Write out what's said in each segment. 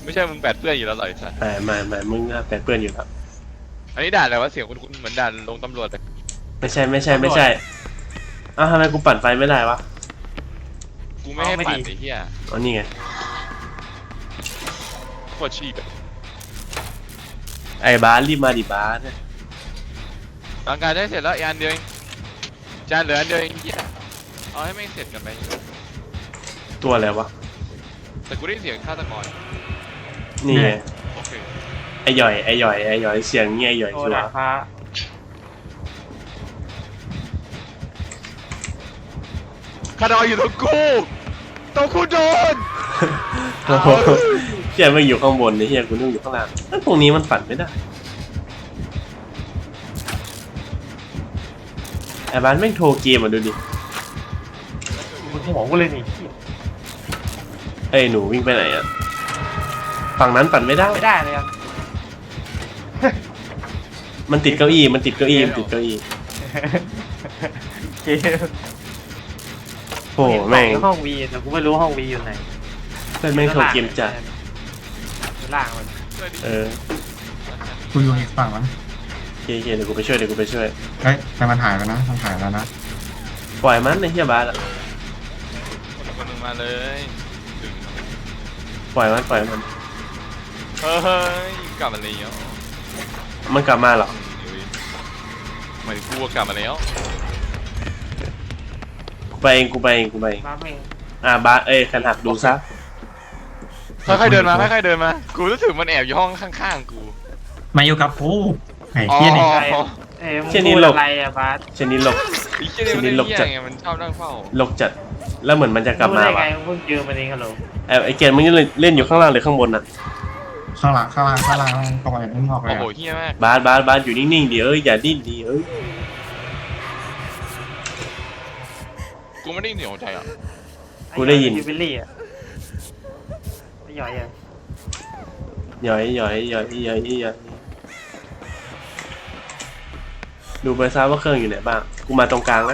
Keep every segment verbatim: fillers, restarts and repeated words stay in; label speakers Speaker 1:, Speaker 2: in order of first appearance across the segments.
Speaker 1: ไม่ใช่มึงแปดเปื้อนอยู่แล้วหรอไอ้สัส
Speaker 2: ไม่ไม่ไม่มึงแปดเปื้อนอยู่ครับ
Speaker 1: อันนี้ด่านอะไรวะเสียงคุณเหมือนด่านลงตำรวจเลย
Speaker 2: ไม่ใช่ไม่ใช่ไม่ใช่อ้าวทำไมกูปั่นไฟไม่ได้วะ
Speaker 1: กูไม่ให้ปั่นไอ้เหี้ย
Speaker 2: อ๋อนี่ไง
Speaker 1: โคตรชีพอะ
Speaker 2: ไอ้บาสรีบมาดิบาส
Speaker 1: ร่างกายได้เสร็จแล้วอีกอันเดียวเองจานเหลืออันเดียวเองเหี้ยเอาให้ไม่เสร็จกันไป
Speaker 2: ตัวอะไรวะ
Speaker 1: แต่กูได้เสียงฆาตกร
Speaker 2: นี่ไง
Speaker 1: โอเค
Speaker 2: ไอ้หย่อยไอ้หย่อยไอ้หย่อยเสียงเงี้ยไอ้หย่อยชัวร์
Speaker 1: คาดอยอยู่ตรงกูตรงกูโดน
Speaker 2: โอ้โหเฮียไม่อยู่ข้างบนนี่เฮียกูนึกอยู่ข้างล่างตรงนี้มันฝันไม่ได้ไอ้บ้านแม่งโทรเกมมาดูดิ
Speaker 3: มึงหัวกูเลยนี่
Speaker 2: เอ้ยหนูวิ่งไปไหนอ่ะฝั่งนั้นปั่นไม่ได้
Speaker 3: ไม่ได้เลยอ่ะ
Speaker 2: มันติดเก้าอี้มันติดเก้าอี้มันติดเก้าอี้โอ้แม่ง
Speaker 3: ห้องวีแต่กูไม่รู้ห้องวีอยู่ไหน
Speaker 2: เพื่อนแม่งโทรเกมจัด
Speaker 3: ล่างมัน
Speaker 2: เออ
Speaker 4: กูอยู่อีกฝั่งมั้ง
Speaker 2: โอเคโอเคเดี๋ยวกูไปช่วยเดี๋ยวกูไปช่วย
Speaker 4: เฮ้ยแต่มันหายแล้วนะมันหายแล้วนะ
Speaker 2: ปล่อยมันในเฮียบาสอ่ะ
Speaker 1: คนนึงมาเลย
Speaker 2: ปล่อยมันปล่อยมัน
Speaker 1: เฮ้ยกลับมาแล้ว
Speaker 2: มันกลับมาหรอ
Speaker 1: หมายถึงกูกลับมาแล้ว
Speaker 2: กูไปเองกูไปเองกูไปเอง
Speaker 3: บ้าเอง
Speaker 2: อ่าบาสเอ้ยขันหักดูซะ
Speaker 1: ค่อยๆเดินมาค่อยๆเดินมากูรู้สึกมันแอบอยู่ห้องข้างๆกู
Speaker 4: มาอยู่กับกูไอ้เหี้ยนี่
Speaker 3: เอ้ยมึงพูดอะไรอะบาส
Speaker 2: เชนนี้หลบ
Speaker 1: เชนนี้หลบจัดไงมันชอบนั่งเฝ้า
Speaker 2: หลบจัดแล้วเหมือนมันจะกลับมา
Speaker 3: ว่ะมึงเจอมันเองฮัลโหล
Speaker 2: ไอ้ไอ้เกณฑ์มึงเล่นอยู่ข้างล่างหรือข้างบนน่ะ
Speaker 4: ข้างหลังข้างล่างข้างล่างตรงไหนมึงออกเลย
Speaker 1: โอ้โหเฮี้ยมาก
Speaker 2: บาสบาสบาสอยู่นิ่งๆดิเอ้ยอย่าดิ้นดิเอ้ย
Speaker 1: กูไม่ได้เหนียวใจอ่ะ
Speaker 2: กูได้ยิน
Speaker 3: ยูบิลลี่อ่ะไม่หย่อยอ่ะ
Speaker 2: หย่อยหย่อยหย่อยหย่อยหย่อยดูไปซะว่าเครื่องอยู่ไหนบ้างกูมาตรงกลางนะ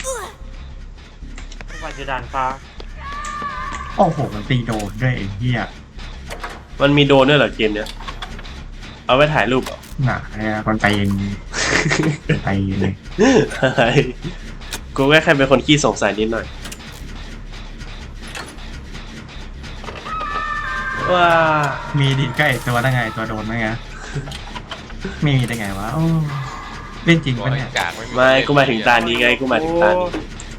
Speaker 3: ทุกวันจะด่านฟ้า
Speaker 4: โอ้โหมันตีโดนด้วยไอ้เหี้ย
Speaker 2: มันมีโดนด้วยเหรอเกมเนี้ยเอาไว้ถ่ายรูปเหรอ
Speaker 4: หนาเนี่ยคนไปเองไปเลย
Speaker 2: กูแค่แค่เป็นคนขี้สงสัยนิดหน่อยว้า
Speaker 4: มีดิใกล้ตัวได้ไงตัวโดนไหมไงไม่มีได้ไงวะเล่นจริงปะเนี่ย
Speaker 2: ไม่กูมาถึงตานี้ไงกูมาถึงตานี้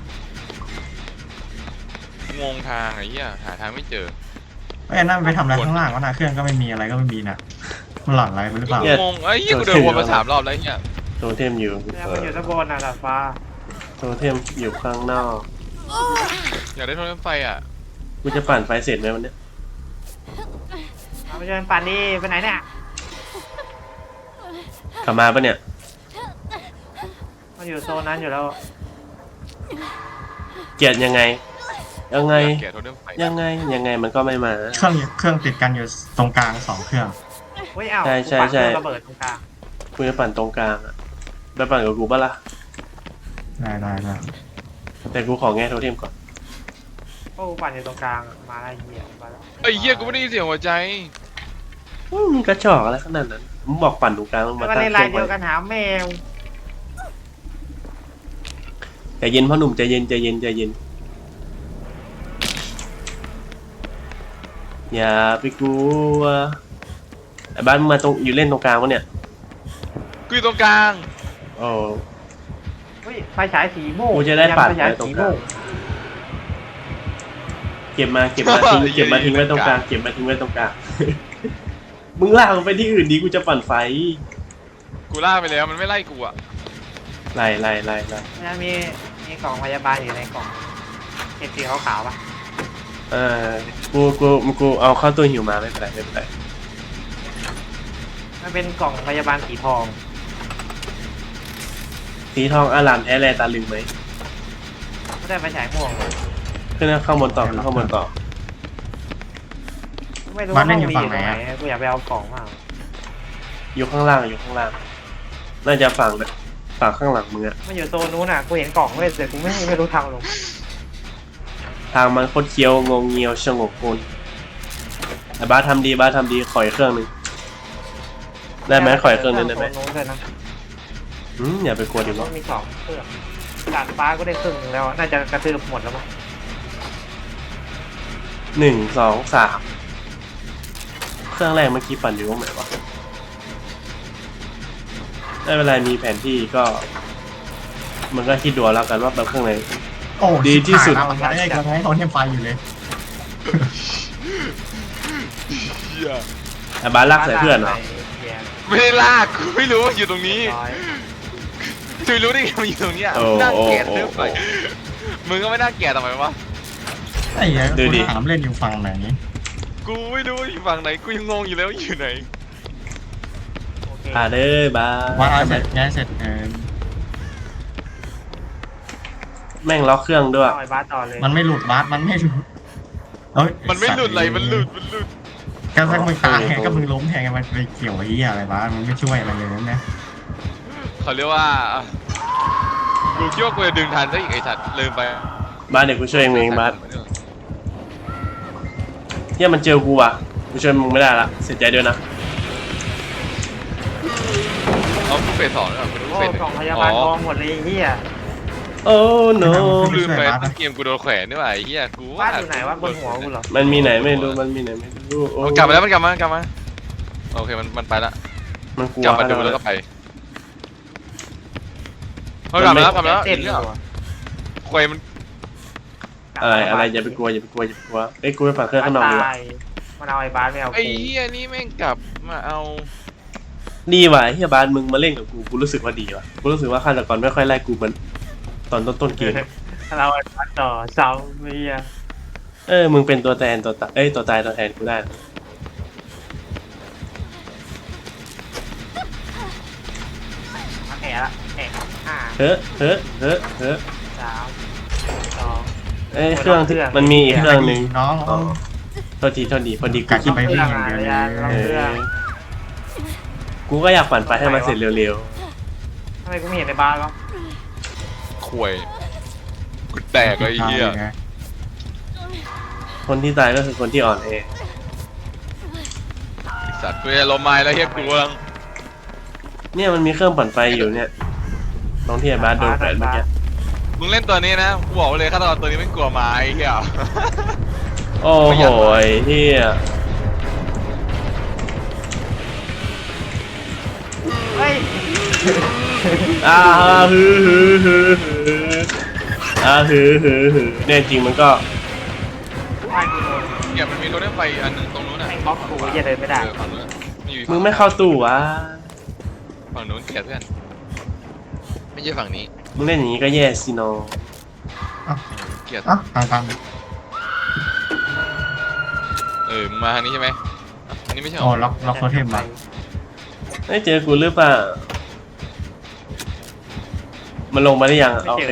Speaker 1: งงทางไอ้เหี้ยหาทางไม่เจอ
Speaker 4: ไอ้นั่นไปทำอะไรข้างล่างวะนะเครื่องก็ไม่มีอะไรก็ไม่มีนะมันหลอนอะไรหรือเปล่าง
Speaker 1: งไอ้เหี้ยกูเดินวนมาสามรอบแล้วเหี้ย
Speaker 2: โทเทมอยู่
Speaker 3: มันอยู่ด้านบนน่ะดาดฟ้า
Speaker 2: โทเทมอยู่ข้างนอก
Speaker 1: อยากได้โทรศัพท์ไฟอ่ะ
Speaker 2: กูจะปั่นไฟเสร็จไหมวันนี้
Speaker 3: เอาไปเชิญปั่นนี่ไปไหนเนี่ย
Speaker 2: กลับมาปะเนี่ย
Speaker 3: มันอยู่โซนนั้นอยู่แล้ว
Speaker 2: เกลียดยังไงยังไง
Speaker 1: ยัง
Speaker 2: ไงยังไงมันก็ไม่มา
Speaker 4: เครื่องเครื่องติดกันอยู่ตรงกลางสองเครื่อง
Speaker 2: ใช่ใช่ใช่
Speaker 3: ระเบิดตรงกลาง
Speaker 2: กูจะปั่นตรงกลางอะไปปั่นกับกูปะล่ะ
Speaker 4: ได้ได้ได้
Speaker 2: แต่กูขอแง่โทเทมก่อน
Speaker 3: โอ้ปั่นอยู่ตรงกลางมาไอ้เหี้ยมาแล้ว
Speaker 1: ไอ้เหี้ยกูไม่ได้ยินเสียงหัวใจ
Speaker 2: มึงกระจอกอะไรขนาดนั้นมึงบอกปั่นตรงกลางมึงมา
Speaker 3: ตั้งใจเดียวกันหาแมว
Speaker 2: ใจเย็นพ่อหนุ่มใจเย็นใจเย็นใจเย็นอย่าไปกลัวไอ้บ้านมึงมาตรงอยู่เล่นตรงกลางวะเนี่ย
Speaker 1: กูอยู่ตรงกลาง
Speaker 2: โอ้
Speaker 3: เฮ้ยไฟฉายสีโม่
Speaker 2: กูจะได้ปั่นไฟตรงกลางเก็บมาเก็บมาทิ้งเก็บมาทิ้งไว้ตรงกลางเก็บมาทิ้งไว้ตรงกลางมึงลากไปที่อื่นดีกูจะปั่นไฟ
Speaker 1: กูลากไปแล้วมันไม่ไล่กูอะ
Speaker 2: ไล่ไล่ไล่ไล่
Speaker 3: เนี่ยมีมีกล่องพยาบาลอยู่ในกล่องเห็นสีขาวๆป่ะ
Speaker 2: เออกูกูกูเอาเข้าตัวหิวมาไม่เป็นไรไม่เป็นไร
Speaker 3: มันเป็นกล่องพยาบาลสีทอง
Speaker 2: สีทองอารามแท้แลตาลึงไหม
Speaker 3: ไม่ได้ไปฉายม่วงเลย
Speaker 2: ขึ้นข้างบนต่อขึ้นข้างบนต่อ
Speaker 3: ไม่รู้ว่าห้องมีอยู่ไหนกูอยากไปเอากล่องมาก
Speaker 2: อยู่ข้างล่างอยู่ข้างล่างน่าจะฝั่งแบบฝั่งข้างหลังมึงอะ
Speaker 3: มันอยู่โซนนู้นอ่ะกูเห็นกล่องเว้ยแต่กูไม่ไม่รู้ทางลง
Speaker 2: ทางมันโคตรเคี้ยวงงเงียวสงบกุลไอ้บาสทำดีบาสทำดีขออีกเครื่องหนึงได้ไหมขออีกเครื่องหนึงได้ไหม
Speaker 3: โน้นเลยนะ
Speaker 2: อืมอย่าไปกลัวดิ
Speaker 3: ต้
Speaker 2: วะ
Speaker 3: องมีสองเครื่องดาดฟ้าก็ได้ครึ่งหนึงแล้วน่าจะกระตือหมดแล้วมั้ง
Speaker 2: หนึ่งสองสามเครื่องแรกเมื่อกี้ปั่นอยู่ตรงไหนวะได้เวลามีแผนที่ก็ มันก็คิดดูแล้วกันว่าแบบเครื่องไหน
Speaker 4: โอ้
Speaker 2: ดีที่สุด
Speaker 4: มันไม่ได้กระไรตอนเทมไฟอยู่เลย
Speaker 1: เหี้ย
Speaker 2: ไอ้บาสลากใส่เพื่อนเหรอ
Speaker 1: ไม่ได้ลากกูไม่รู้ว่าอยู่ตรงนี้
Speaker 3: ร้อย
Speaker 1: จะรู้ได้ไงมันอยู่ตรงเนี้ย
Speaker 2: โอ้
Speaker 1: น่า
Speaker 2: โอ้
Speaker 1: เกลียด
Speaker 2: โอ้
Speaker 1: เรื่องไปมึงก็ไม่น่าเกลียดทำไมวะ
Speaker 4: ไอ้เหี้ย
Speaker 2: ดูดิ
Speaker 4: กูถามเล่นอยู่ฝั่งไหน
Speaker 1: กูไม่รู้ว่าอยู่ฝั่งไหนกูยังงงอยู่แล้วว่าอยู่ไหน
Speaker 3: โอเค
Speaker 2: อ่าเด้อบา
Speaker 4: ว่า
Speaker 2: ส
Speaker 4: เอาเสร็จง่ายเสร็จเออ
Speaker 2: แม่งล็อกเครื่องด้วย
Speaker 3: เอาไอ้บาสต่อเลย
Speaker 4: มันไม่หลุดบาสมันไม่หลุดเอ้ย
Speaker 1: มันไม่หลุดอะไรมันหลุดมันหลุด
Speaker 4: ก็ถ้ามึงตายไงก็มึงล้มแทงไงมันไปเกี่ยวไอ้เหี้ยอะไรบาสมันไม่ช่วยอะไรเลยนะ
Speaker 1: เขาเรียกว่ากูคิดว่ากูจะดึงทันซะอีกไอ้สัตว์ลืมไป
Speaker 2: บาสเดี๋ยวกูช่วยเองเองบาสเฮียมันเจอกูว่ะกูช่วยมึงไม่ได้ละเสียใจด้วยนะ
Speaker 1: เอากูเฟสสองแล้วกู
Speaker 3: โอ้
Speaker 1: เฟสหนึ่
Speaker 3: กล่องพยาบาลทองหมดเลยไอ้เฮีย
Speaker 2: โอ้ no
Speaker 1: กูลืมไปต้นเกมกูโดนแขวนนี่หว่าไอ้เหี้ยกู
Speaker 3: บ้านอยู่ไหนวะบนหัวกูเหรอ
Speaker 2: มันมีไหนไม่รู้มันมีไหนไม่รู้โอ้
Speaker 1: มันกลับมาแล้วมันกลับมากลับมาโอเคมันมันไปละ
Speaker 2: มันกลัว
Speaker 1: กลับมาดูแล้วก็ไปเฮ้ยกลับมาแล้วกลับมาแล้ว
Speaker 3: เต้น
Speaker 1: อีก
Speaker 3: เล
Speaker 1: แล้
Speaker 3: ยว วะ
Speaker 1: ควยมัน
Speaker 2: อะไรอะไรอย่าไปกลัวอย่าไปกลัวอย่าไปกลัวเอ้ยกูไปปั่นเครื่องข้างนอกดีกว่า
Speaker 3: ตายมันเอาไอ้บาสไม่เอา
Speaker 1: ไอ้
Speaker 3: กู
Speaker 1: เหี้ยนี่แม่งกลับมาเอา
Speaker 2: ดีว่ะเฮียบาสมึงมาเล่นกับกูกูรู้สึกว่าดีว่ะกูรู้สึกว่าฆาตกรไม่ค่อยไล่กูเหมือนตอนต้นต้นเกม
Speaker 3: เราไอ้บาสต่อเสาเมีย
Speaker 2: เออมึงเป็นตัวแทนตัวตายเอ้ยตัวตายตัวแทนกูได้นะ
Speaker 3: แอะละแอะห้า
Speaker 2: เฮ้อเฮ้อเฮ้อเฮ้อ
Speaker 3: สามสอง
Speaker 2: เอ้ยเครื่องที่มันมีอีกเครื่องหนึ่ง
Speaker 4: น้อง
Speaker 2: อ๋อโทษทีโทษทีพอดีกู
Speaker 4: กัด
Speaker 2: คิด
Speaker 4: ไปวิ่งอย่างเดียวเลย
Speaker 2: เออกูก็อยากปั่นไปให้มันเสร็จเร็ว
Speaker 3: ทำไมกูไม่เห็นไอ้บาสวะ
Speaker 1: ควยกูแตกเลยไอ้เหี้ย
Speaker 2: ๆคนที่ตายก็คือคนที่อ่อนแอ
Speaker 1: ไอ้สัตว์กูจะลมไม้แล้วเหี้ยกูกำลัง
Speaker 2: เนี่ยมันมีเครื่องปั่นไฟอยู่เนี่ยตรงที่ไอ้บาสโดนแขวนเมื่อกี้
Speaker 1: มึงเล่นตัวนี้นะกูบอกไว้เลยฆาตกรตัวนี้ไม่กลัวไม้ไอ้เหี้ย
Speaker 2: โอ้โหไอ้เฮีย
Speaker 3: เฮ้ย
Speaker 2: อ่าฮือฮือฮือฮืออ่าฮือฮือฮือเนี่ยจริงมันก็
Speaker 3: บ้านกูโดน
Speaker 1: เหี้ยมันมีรถไฟฟ้าอันหนึงตรงนู้นน่ะ
Speaker 3: แม่งบล็อกกูอย่าเดินไม่ได้
Speaker 1: เออฝั่งนู้นอยู่
Speaker 2: มึงไม่เข้าตู้วะ
Speaker 1: ฝั่งนู้นเกลียดเพื่อนไม่ใช่ฝั่งนี้
Speaker 2: มึงเล่นอย่างนี้ก็แย่สิน้อง
Speaker 1: เกลียด
Speaker 4: อ่ะทางทาง
Speaker 1: เออมึงมาทางนี้ใช่ไหมอ่ะอันนี้ไม่ใช่หร
Speaker 4: โอ้
Speaker 1: อ
Speaker 4: ล็อกล็อกโทเทมมา
Speaker 2: ได้เจอกูหรือเปล่ามันลงมาได้ยังโอเค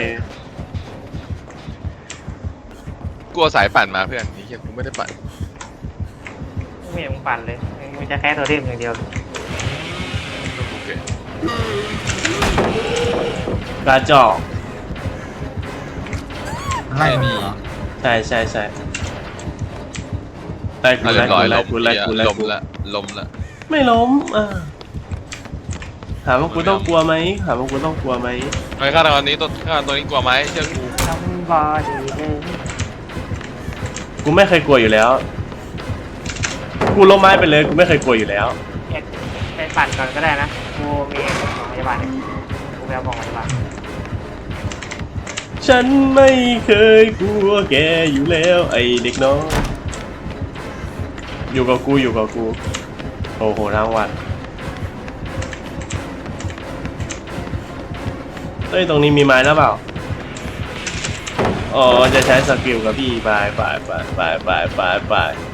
Speaker 1: กลัวสายปั่นมาเพื่อนนี่เหี้ยกูไม่ได้ปั่น
Speaker 3: กูไม่เห็นมึงปั่นเลยมึงจะแค่ตัวเทมอย่างเดียว
Speaker 1: โอเค
Speaker 2: กระจอก
Speaker 4: ไล่มึงเหรอ
Speaker 2: ใช่ใช่ใช่ไล่กู
Speaker 1: เอาเรี
Speaker 2: ไล่
Speaker 1: ยบร้อย
Speaker 2: กู
Speaker 1: ล
Speaker 2: ไล่
Speaker 1: ม
Speaker 2: กูไล่กูไล่
Speaker 1: ลม
Speaker 2: กู
Speaker 1: ละลมละ
Speaker 2: ไม่ล้มอ่ะถามว่ากูต้องกลัวไหมถามว่ากูต้องกลัวไหม
Speaker 1: ไอ้ฆาตกรนี้ตัวฆาตกรตัวนี้กลัวไหมเชื่อกู
Speaker 3: ทำบอดีเลย
Speaker 2: กูไม่เคยกลัวอยู่แล้ว กูล้มไม้ไปเลยกูไม่เคยกลัวอยู่แล้ว
Speaker 3: เอ็ดไปปั่นก่อนก็ได้นะกูมีของพยาบาลเนี่ยกูไปเอาของพยาบาล
Speaker 2: ฉันไม่เคยกลัวแกอยู่แล้วไอเด็กน้องอยู่กับกูอยู่กับกูโอ้โหทั้งวันเฮ้ยตรงนี้มีไม้แล้วเปล่าอ๋อจะใช้สกิลกับพี่ไปไปไปไปไปไปไป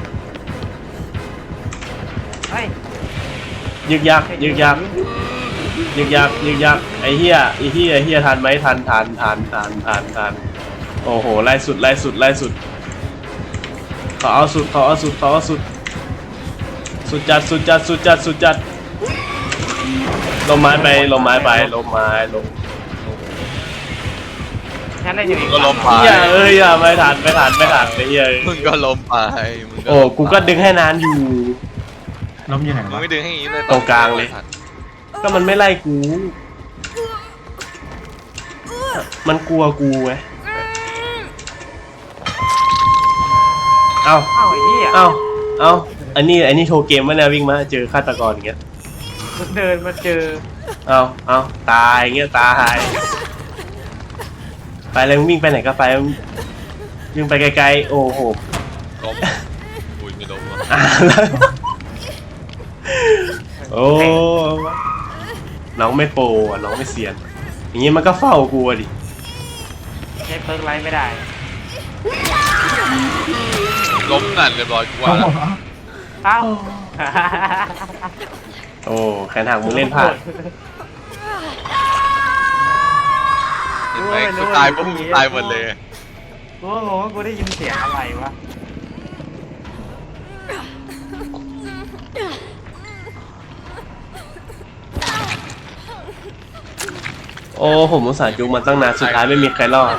Speaker 3: เฮ้ย
Speaker 2: ยึกยักยึกยักยึกยักยึกยักไอเฮียไอเฮียเฮียทันไหมทันทันทันทันทันทันโอ้โหไล่สุดไล่สุดไล่สุดขอเอาสุดขอเอาสุดขอเอาสุดสุดจัดสุดจัดสุดจัดสุดจัดลมไม้ไปลมไม้ไปลมไม้ลม
Speaker 3: ฉันเล่นอยู่อีก
Speaker 1: ก็ล้มไป
Speaker 2: อย่าเอ้ยอย่าไม่ทันไม่ทันไม่ทันไอ้เหี้ย
Speaker 1: มึงก็ล้มไปมึง
Speaker 2: โอ้กูก็ดึงให้นานอยู่
Speaker 4: ล้มอยู่ไหน
Speaker 1: มึง
Speaker 4: วะ
Speaker 1: ไม่ดึงให้อย่างนี้เลย
Speaker 2: ตรงกลางเลย ก็มันไม่ไล่กู มันกลัวกูไงเอ้า
Speaker 3: อ้าวไอ้เหี้ย
Speaker 2: เอ้าเอ้าอันนี้อันนี้โชว์เกมวะเนี่ยวิ่งมาเจอฆาตกรอย่างเงี้ย
Speaker 3: มันเดินมาเจอ
Speaker 2: เอ้าเอ้าตายอย่างเงี้ยตายไปเลยมึงวิ่งไปไหนก็ไปวิ่งไปไกลๆโอ้โห
Speaker 1: ล้มอุ้ยไม่ล้มว่ะ
Speaker 2: อ่าแล้วโอ้น้องไม่โปรอ่ะน้องไม่เซียน อย่างงี้มันก็เฝ้ากูอ่ะดิ
Speaker 3: ใช้เพิร์กไลท์ไม่ได้
Speaker 1: ล้มนั่นเรียบร้อยกูว่า
Speaker 4: โอ้
Speaker 1: แล้ว
Speaker 4: โห
Speaker 3: เอ้า
Speaker 2: โอ้แขนหักมึงเล่นพลาด
Speaker 1: เห็นไหมกูตายพวกมึงตายหมดเลย
Speaker 3: กูก็งงว่ากูได้ยินเสียงอะไรวะ
Speaker 2: โอ้ผมอุตส่าห์จุกมาตั้งนานสุดท้ายไม่มีใครรอด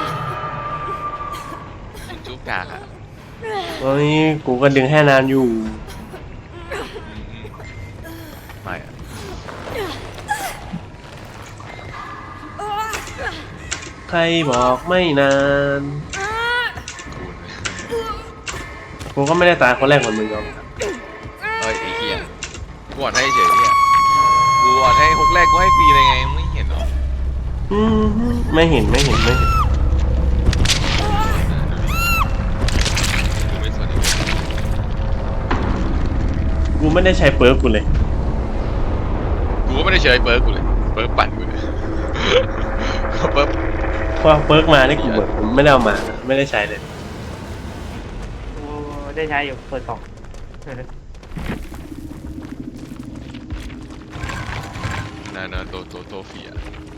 Speaker 1: มึงจุกกากอ่ะ
Speaker 2: โอ้ยกูก็ดึงให้นานอยู่
Speaker 1: อืมอืมไม่อะ
Speaker 2: ใครบอกไม่นาน
Speaker 1: กูเนี่ย
Speaker 2: กูก็ไม่ได้ตายคนแรกเหมือนมึงหรอก
Speaker 1: เฮ้ยไอ้เหี้ยกูอ่อนให้เฉยเนี่ยกูอ่อนให้ฮุกแรกกูให้ฟรีเลยไงมึงไม่เห็นหรอ
Speaker 2: อืมไม่เห็นไม่เห็นไม่เห็น
Speaker 1: กูไม่สนอีก
Speaker 2: กูไม่ได้ใช้เปิร์กกูเลย
Speaker 1: กูก็ไม่ได้เฉยเปิร์กกูเลยเปิร์กปั่นกูเลยเปิร์ก
Speaker 2: เพราะเปิร์กมานี่กูเหมือนไม่ได้เอามานะไม่ได้ใช้เลย
Speaker 3: กูได้ใช้อยู่เปิดกล่อง
Speaker 1: นานาโตโตโตเฟีย